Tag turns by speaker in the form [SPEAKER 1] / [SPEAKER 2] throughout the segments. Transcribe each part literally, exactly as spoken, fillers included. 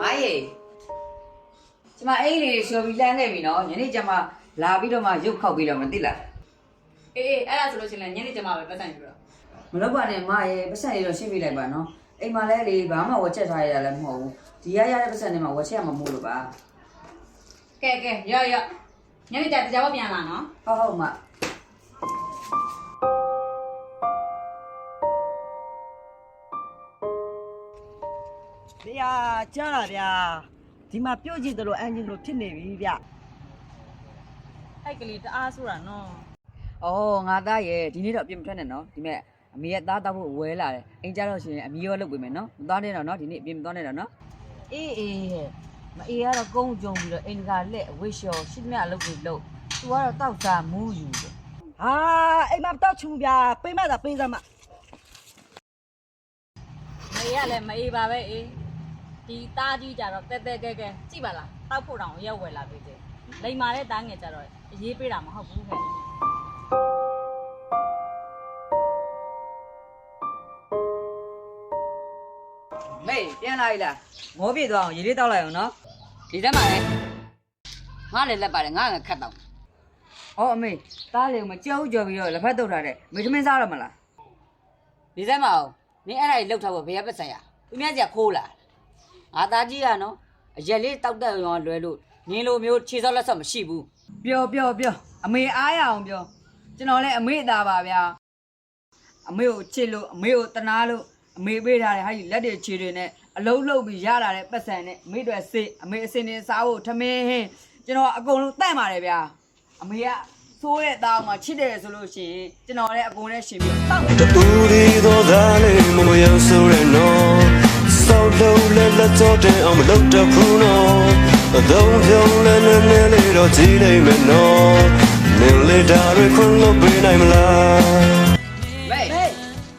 [SPEAKER 1] မားရေကျမအိမ်လေးလျှော်ပြီးလမ်းခဲ့ပြီနော်ညနေကျမလာပြီးတော့မှရုပ်ခောက်ပြီးတော့မသိလား
[SPEAKER 2] အေးအေးအဲ့ဒါဆိုလို့ရှိရင်ညနေကျမပဲပတ်ဆိုင်ပြီးတော့
[SPEAKER 1] မလုပ်ပါနဲ့မရေပတ်စံလေးတော့ရှင်းပြလိုက်ပါနော်အိမ်မှာလဲလေဘာမှဝက်ချက်ထားရတာလည်းမဟုတ်ဘူးဒီရရတဲ့ပတ်စံတွေမှာဝက်ချက်ရမှာမဟုတ်လို့ပါ
[SPEAKER 2] ကဲကဲရော့ရော့ညနေကျတရားပြန်လာနော်
[SPEAKER 1] ဟုတ်ဟုတ်မ
[SPEAKER 3] ဗျာကြားလာဗျာဒီမှာပြုတ်ကြည့်တယ်လို့အန်ဂျင်လို့ဖြစ်နေပြီဗျ
[SPEAKER 2] အဲ့ကလေးတအားဆိုတာနော်
[SPEAKER 1] ဩငါသားရဲ့ဒီနေ့တော့အပြင်မထွက်နဲ့နော်ဒီမဲ့အမေရဲ့သားတောက်ဖို့ဝဲလာတယ်အိမ်ကြတော့ရှင်အမေရောလုပ်ပေးမယ်နော်မသွားနဲ့တော့နော်ဒီနေ့အပြင်မသွားနဲ့တော့နော်
[SPEAKER 3] အေးအေးဟဲ့မအေးကတော့ကုန်းကြုံပြီးတော့အိမ်ကလက်ဝိရှော်ရှစ်မြအလုပ်ကိုလုပ်သူကတော့တောက်စားမူးယူတယ်ဟာအိမ်မှာတောက်ချူဗျာပိမ့်မတာပိမ့်စမ်းမ
[SPEAKER 2] မေရလည်းမအေးပါပဲအေးဒီသားကြီးကြတော့တဲတဲကဲကဲကြည့်ပါလားတောက်ဖို့တောင်ရောက်ဝယ်လာပေးတယ်လိန်မာတဲ့သားငယ်ကြတော့အရေးပေးတာမဟုတ်ဘူးခဲ့
[SPEAKER 1] မေပြန်လာပြီလားငိုးပြေသွားအောင်ရေလေးတောက်လိုက်အောင်နော်ဒီထဲမှာလေငါလည်းလက်ပါတယ်ငါကခတ်တော့ဩအမေသားလေးမကြောက်ကြော်ပြီးတော့လက်ဖက်တုတ်ထားတဲ့မေသမင်းစားရမလားဒီထဲမှာနင်းအဲ့ဒါကြီးလှုပ်ထားဖို့ဘယ်ရပတ်ဆိုင်ရသူများကြီးခိုးလာငါသားကြီးကနော်အရက်လေးတောက်တက်ရောလွယ်လို့နင်းလိုမျိုးခြေစောက်လက်စောက်မရှိဘူးပျော်ပျော်ပျော်အမေအားရအောင်ပြောကျွန်တော်လည်းအမေအသားပါဗျာအမေကိုချစ်လို့အမေကိုတနာလို့အမေပေးထားတယ်ဟာကြီးလက်တွေခြေတွေနဲ့အလုံးလုံးပြီးရလာတဲ့ပတ်စံနဲ့အမေတွေစေအမေအစင်နေစားဖို့ထမင်းဟင်းကျွန်တော်အကုန်လုံးတန့်ပါတယ်ဗျာအမေကဆိုးတဲ့သားအောင်မှချစ်တယ်ဆိုလို့ရှိရင်ကျွန်တော်လည်းအကုန်နဲ့ရှင်ပြီးတောက်တယ်
[SPEAKER 4] တူဒီတော့သားလေးမမရောက်ဆိုရနော်စောက်လုံးလက်လက်တော့တဲ့အောင်မလုပ်တော့ဘူးနော်အတော့ပြုံးလဲနေနေလေးတော့ကြည့်လိုက်မယ်နော်နင်လေးတာရခွန်းလို့ပေးနိုင်မလား
[SPEAKER 1] မေးဟဲ့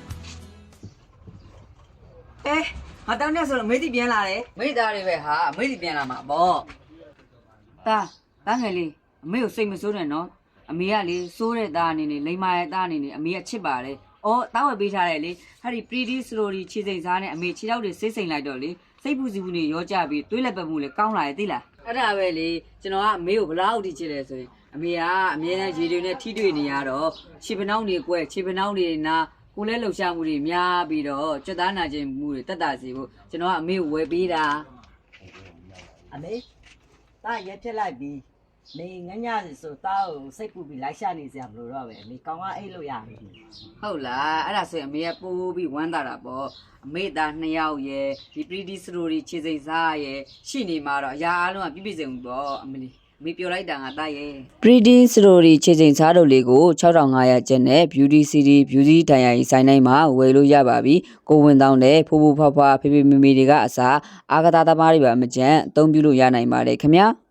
[SPEAKER 1] ငါတောင်းနေဆိုလို့မေးတိပြန်လာတယ်မေးသားတွေပဲဟာမေးတိပြန်လာမှာပေါ့တာတာငယ်လေးအမေကိုစိတ်မဆိုးနဲ့နော်အမေကလေစိုးတဲ့သားအနေနဲ့လိမ္မာရဲ့သားအနေနဲ့အမေကချစ်ပါတယ်။အော်တားဝယ်ပေးထားတယ်လေ။ဟာဒီ pretty slowly ခြေစိမ်စားနဲ့အမေခြေထောက်တွေစိတ်စိမ်လိုက်တော့လေစိတ်ပူစီပူနေရောကြပြီးတွေးလက်ပတ်မှုလေကောင်းလာရဲ့သိလား။အဲ့ဒါပဲလေကျွန်တော်ကအမေကိုဘလောက်ထိချစ်လဲဆိုရင်အမေကအမြဲတမ်းရေတွေနဲ့ထိတွေ့နေရတော့ခြေပနှောင်းတွေကွဲခြေပနှောင်းတွေနာကိုလဲလှုပ်ရှားမှုတွေများပြီးတော့ကြွသားနာခြင်းမှုတွေတက်တာစီဖို့ကျွန်တော်ကအမေကိုဝယ်ပေးတာ
[SPEAKER 3] အမေတာရက်ပြက်လိုက်ပြီးနေငညစီဆိုတာကိုစိတ်ပူပြီးလိုက်ရှာနေစရာမလိုတော့ပဲအမေကောင်းကအိတ်လို့ရပြီ
[SPEAKER 1] ဟုတ်လားအဲ့ဒါဆိုရင်အမေကပိုးပြီးဝမ်းသာတာပေါ့အမေသားနှစ်ယောက်ရယ်ဒီ pretty story ခြေစိမ်စားရယ်ရှိနေမှာတော့အရာအလုံးကပြည့်ပြည့်စုံပေါ့အမလီအမေပြောလိုက်တာငါသားရယ် pretty story ခြေစိမ်စားတို့လေးကို၆ထောင်ငါးရာကျပ်နဲ့ beauty city beauty တိုင်ယာကြီးဆိုင်တိုင်းမှာဝယ်လို့ရပါပြီကိုဝင်တောင်းတဲ့ဖိုးဖိုးဖွားဖွားဖေဖေမေမေတွေကအစားအာဂတာသမားတွေပါမကြမ်းအသုံးပြုလို့ရနိုင်ပါတယ်ခင်ဗျာ